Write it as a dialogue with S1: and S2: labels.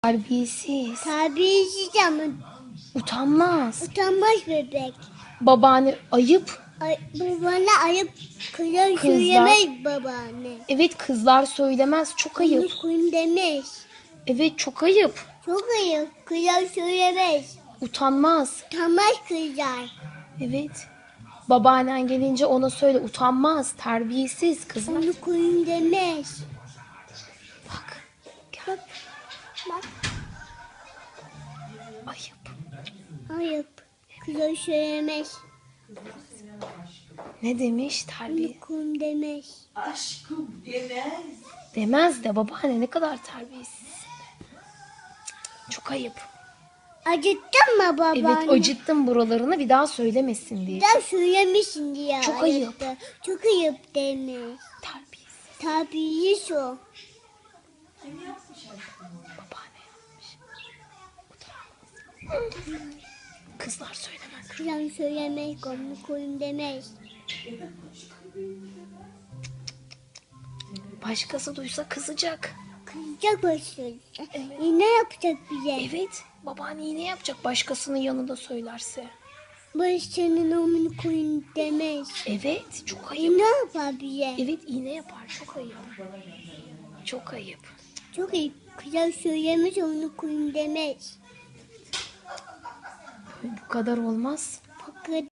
S1: Terbiyesiz.
S2: Terbiyesiz ama
S1: Utanmaz.
S2: utanmaz bebek.
S1: Babaanne ayıp.
S2: Babana ayıp kızlar
S1: Kızlar.
S2: söylemez babaanne.
S1: Evet, kızlar söylemez. Çok ayıp.
S2: Onu koyun demez.
S1: Evet, çok ayıp.
S2: Çok ayıp. Kızlar söylemez.
S1: Utanmaz.
S2: Utanmaz kızlar.
S1: Evet. Babaannen gelince ona söyle, utanmaz, terbiyesiz kızlar.
S2: Onu koyun demez.
S1: Bak. Gel.
S2: Bak.
S1: Ayıp.
S2: Ayıp. Kızlar söylemez.
S1: Ne demiş? Terbiye.
S2: Onu koyun demez.
S3: Aşkım demez.
S1: Demez de babaanne ne kadar terbiyesiz. Çok ayıp.
S2: Acıttın mı babaanne?
S1: Evet, acıttım buralarını, bir daha söylemesin diye.
S2: Daha söylemişsin diye.
S1: Çok ayıp.
S2: acıttı. Çok ayıp demiş.
S1: Terbiyesiz.
S2: Terbiyesiz o.
S1: Babaanne yapmış. Utanmaz. Kızlar söylemez.
S2: Kızlar söylemez. Onu koyun demez.
S1: Başkası duysa kızacak.
S2: Kızacak başlıyor. Ne yapacak bize?
S1: Evet, babaanne yine yapacak başkasının yanında söylerse.
S2: Barış senin onu koyun demez.
S1: Evet, çok ayıp.
S2: Ne yapar bize?
S1: Evet, iğne yapar. Çok ayıp. Çok ayıp.
S2: Çok iyi. Kızlar söylemez onu koyun demez.
S1: Bu kadar olmaz.
S2: Fakat